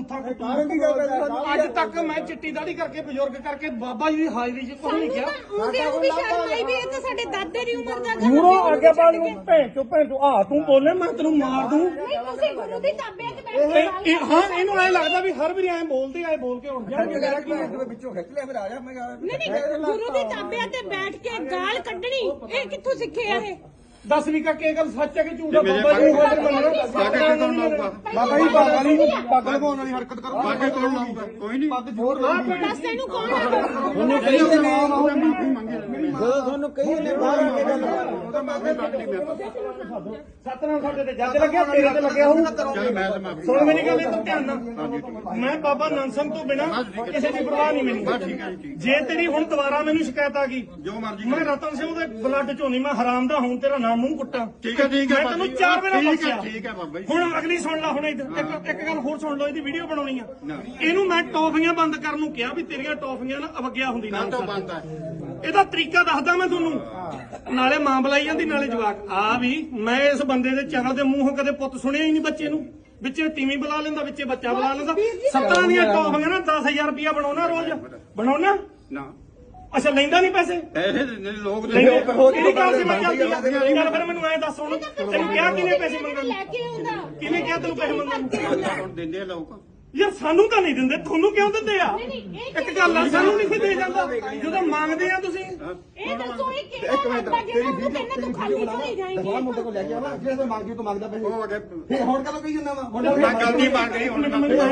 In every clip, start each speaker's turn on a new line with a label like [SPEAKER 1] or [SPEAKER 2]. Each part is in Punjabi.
[SPEAKER 1] ਬੂਥਾ ਅੱਜ ਤੱਕ ਮੈਂ ਚਿੱਟੀ ਦਾੜੀ ਕਰਕੇ ਬਜ਼ੁਰਗ ਕਰਕੇ ਬਾਬਾ ਜੀ ਦੀ ਹਾਜ਼ਰੀ 'ਚ ਕੁਝ ਨਹੀਂ ਕਿਹਾ।
[SPEAKER 2] ਉਹਨੂੰ ਵੀ ਸ਼ਰਮ ਆਈ ਵੀ ਇਹ ਤਾਂ ਸਾਡੇ ਦਾਦੇ ਦੀ ਉਮਰ ਦਾ
[SPEAKER 1] ਮੂਰੋਂ ਅੱਗੇ ਬਾਲ ਨੂੰ ਭੈਣ ਚੋ ਆ ਤੂੰ ਬੋਲੇ ਮੈਂ ਤੈਨੂੰ ਮਾਰ ਦੂੰ।
[SPEAKER 2] ਤੁਸੀਂ ਗੁਰੂ ਦੀ ਤਾਬੇ ਤੇ ਬੈਠ ਕੇ
[SPEAKER 1] ਹਾਂ ਇਹਨੂੰ ਐ ਲੱਗਦਾ ਵੀ ਹਰ ਵਾਰੀ ਐ ਬੋਲਦੇ ਆਏ ਬੋਲ ਕੇ ਉੱਠ ਜਾਣਗੇ। ਮੇਰਾ ਕੀ
[SPEAKER 3] ਵਿੱਚੋਂ ਖਿੱਚ ਲਿਆ ਫਿਰ ਆ ਜਾ ਮੈਂ
[SPEAKER 2] ਨਹੀਂ ਗੁਰੂ ਦੀ ਤਾਬੇ ਤੇ ਬੈਠ ਕੇ ਗਾਲ ਕੱਢਣੀ ਇਹ ਕਿੱਥੋਂ ਸਿੱਖਿਆ ਇਹ?
[SPEAKER 1] ਦੱਸ ਵੀ ਕਾ ਕੀ ਗੱਲ ਸੱਚ ਹੈ ਕਿ ਝੂਠ ਹੈ? ਬਾਬਾ ਜੀ ਨੂੰ ਹਾਜ਼ਰ ਮੰਨਣਾ
[SPEAKER 3] ਬਾਬਾ ਜੀ ਪੱਗ ਲਗਾਉਣ ਵਾਲੀ ਹਰਕਤ ਕਰੋ।
[SPEAKER 4] ਬਾਕੀ ਕੌਣ ਲਾਊਗਾ? ਕੋਈ ਨਹੀਂ।
[SPEAKER 3] ਪੱਗ ਜ਼ੋਰ ਲਾਉਂਦੀ
[SPEAKER 2] ਦੱਸ ਤੈਨੂੰ ਕੌਣ ਹੈ?
[SPEAKER 3] ਤੁਹਾਨੂੰ ਕਹੀ ਨੇ
[SPEAKER 4] ਮਾਫੀ ਮੰਗੇ
[SPEAKER 3] ਜਦੋਂ ਤੁਹਾਨੂੰ ਕਹੀ ਨੇ ਬਾਹਰ ਆ ਕੇ ਗੱਲ
[SPEAKER 4] ਉਹਦਾ ਮਾਫੀ ਮੰਗਣੀ ਮੈਂ
[SPEAKER 1] ਸਤਨਾਮ ਸਾਡੇ ਤੇ ਜੱਜ ਲੱਗਿਆ ਤੇਰੇ ਤੇ ਲੱਗਿਆ ਹੋਊ।
[SPEAKER 4] ਚੱਲ ਮੈਂ ਤਾਂ ਮਾਫੀ
[SPEAKER 1] ਸੁਣ ਮੇਰੀ ਗੱਲ ਇਹ ਧਿਆਨ ਨਾਲ। ਮੈਂ ਬਾਬਾ ਨੰਦ ਸਿੰਘ ਤੋਂ ਬਿਨਾ ਕਿਸੇ ਦੀ ਪਰਵਾਹ ਨਹੀਂ ਮੈਨੂੰ। ਜੇ ਤੇਰੀ ਹੁਣ ਦੁਬਾਰਾ ਮੈਨੂੰ ਸ਼ਿਕਾਇਤ ਆ ਗਈ
[SPEAKER 4] ਜੋ ਮਰਜ਼ੀ
[SPEAKER 1] ਮੈਂ ਰਤਨ ਸਿੰਘ ਦੇ ਬਲੱਡ ਚੋਂ ਨਹੀਂ ਮੈਂ ਹਰਾਮ ਦਾ ਹੁਣ ਤੇਰਾ ਨਾਮ ਮੂੰਹ ਕੁੱਟਾਂ।
[SPEAKER 4] ਠੀਕ ਹੈ
[SPEAKER 1] ਮੈਂ ਤੈਨੂੰ 4 ਵੇਲੇ ਬਖਸ਼ਿਆ।
[SPEAKER 4] ਠੀਕ ਹੈ ਬਾਬਾ ਜੀ।
[SPEAKER 1] ਹੁਣ ਅਗਲੀ ਸੁਣ ਲੈ ਹੁਣ ਇੱਕ ਗੱਲ ਹੋਰ ਸੁਣ ਲਓ। ਇਹਦੀ ਵੀਡੀਓ ਬਣਾਉਣੀ ਆ। ਇਹਨੂੰ ਮੈਂ ਟੌਫੀਆਂ ਬੰਦ ਕਰਨ ਨੂੰ ਕਿਹਾ ਵੀ ਤੇਰੀਆਂ ਟੌਫੀਆਂ ਨਾ ਅਵਗਿਆ ਹੁੰਦੀ ਨਾ।
[SPEAKER 4] ਬੰਦ ਹੈ
[SPEAKER 1] ਇਹਦਾ ਤਰੀਕਾ ਦੱਸਦਾ ਮੈਂ ਤੁਹਾਨੂੰ। ਨਾਲੇ ਮਾਂ ਬੁਲਾਈ ਜਾਂਦੀ ਨਾਲੇ ਜਵਾਕ ਆ ਵੀ। ਮੈਂ ਇਸ ਬੰਦੇ ਦੇ ਚਗਲ ਦੇ ਮੂੰਹੋਂ ਕਦੇ ਪੁੱਤ ਸੁਣਿਆ ਹੀ ਨਹੀਂ ਬੱਚੇ ਨੂੰ। ਵਿੱਚੇ ਤੀਵੀਂ ਬੁਲਾ ਲੈਂਦਾ ਵਿੱਚੇ ਬੱਚਾ ਬੁਲਾ ਲੈਂਦਾ। 17 ਦੀਆਂ ਟੌਫੀਆਂ ਨਾ 10,000 ਰੁਪਇਆ ਬਣਾਉਣਾ ਰੋਜ਼ ਬਣਾਉਣਾ।
[SPEAKER 4] ਨਾ
[SPEAKER 1] ਅੱਛਾ ਲੈਂਦਾ ਨਹੀਂ ਪੈਸੇ
[SPEAKER 4] ਪੈਸੇ ਲੋਕ
[SPEAKER 1] ਕਿਹੜੀ ਗੱਲ ਸੀ ਮੈਂ ਚੱਲਦੀ ਚੱਲ ਫਿਰ ਮੈਨੂੰ ਐ ਦੱਸ ਹੁਣ ਤੈਨੂੰ ਕਿਹਾ ਕਿਹਨੇ ਪੈਸੇ ਮੰਗਣ
[SPEAKER 2] ਲੈ ਕੇ ਆਉਂਦਾ
[SPEAKER 1] ਕਿਹਨੇ ਕਿਹਾ ਤੈਨੂੰ ਪੈਸੇ ਮੰਗਣ
[SPEAKER 4] ਹੁਣ ਦਿੰਦੇ ਆ ਲੋਕ।
[SPEAKER 1] ਯਾਰ ਸਾਨੂੰ ਤਾਂ ਨਹੀਂ ਦਿੰਦੇ ਤੁਹਾਨੂੰ ਕਿਉਂ ਦਿੰਦੇ ਆ? ਇੱਕ ਗੱਲ ਆ ਸਾਨੂੰ ਨਹੀਂ ਦੇ ਜਾਂਦਾ ਜਦੋਂ ਮੰਗਦੇ ਆ ਤੁਸੀਂ।
[SPEAKER 2] ਇਹ ਦੱਸੋ ਇਹ ਕਿਹੜਾ ਰੱਬਾ ਜਿਹੜਾ ਉਹਨੂੰ ਕਹਿੰਦਾ ਤੂੰ ਖਾਲੀ ਚਲੀ ਜਾਏਂਗੀ।
[SPEAKER 3] ਬਾਹਰ ਮੁੰਡੇ ਕੋਲ ਲੈ ਕੇ ਆਵਾ ਜਿਹੜੇ ਮੰਗੀ ਤੂੰ ਮੰਗਦਾ ਪੈਸੇ
[SPEAKER 4] ਉਹ ਅਗੇ
[SPEAKER 3] ਫੇਰ ਹੁਣ ਕਦੋਂ ਕਹੀ ਜਾਂਦਾ ਵਾ
[SPEAKER 4] ਮੈਂ ਗਲਤੀ ਮੰਨ ਗਈ ਹੁਣ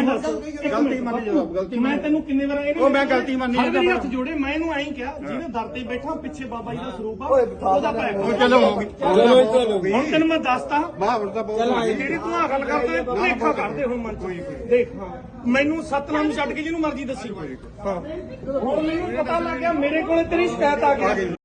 [SPEAKER 1] ਗਲਤੀ ਮੰਨ ਗਲਤੀ ਮੈਂ ਤੈਨੂੰ ਕਿੰਨੇ ਵਾਰ
[SPEAKER 4] ਉਹ ਮੈਂ ਗਲਤੀ ਮੰਨੀ
[SPEAKER 1] ਹਰ ਵਾਰੀ ਹੱਥ ਜੋੜੇ ਮੈਂ ਇਹਨੂੰ ਐਂ ਕਿਹਾ ਜਿਹਨੇ ਦਰ ਤੇ ਬੈਠਾ ਪਿੱਛੇ ਬਾਬਾ ਜੀ ਦਾ ਸਰੂਪ ਆ ਉਹਦਾ ਪੈ
[SPEAKER 4] ਉਹ ਚਲੋ ਹੋ ਗਈ।
[SPEAKER 1] ਹੁਣ ਤੈਨੂੰ ਮੈਂ ਦੱਸਤਾ
[SPEAKER 4] ਵਾਹ ਹੁਣ ਤਾਂ ਬਹੁਤ
[SPEAKER 1] ਜਿਹੜੀ ਤੂੰ ਆ ਗੱਲ ਕਰਦਾ ਭੁਲੇਖਾ ਕਰਦੇ ਹੁਣ ਮਨ ਚ ਦੇਖ ਮੈਨੂੰ ਸਤਨਾਮ ਨੂੰ ਛੱਡ ਕੇ ਜਿਹਨੂੰ ਮਰਜ਼ੀ ਦੱਸੀ। ਹਾਂ ਹੁਣ ਮੈਨੂੰ ਪਤਾ ਲੱਗ ਗਿਆ ਮੇਰੇ ਕੋਲੇ ਤੇਰੀ ਸ਼ਿਕਾਇਤ ਆ ਗਈ।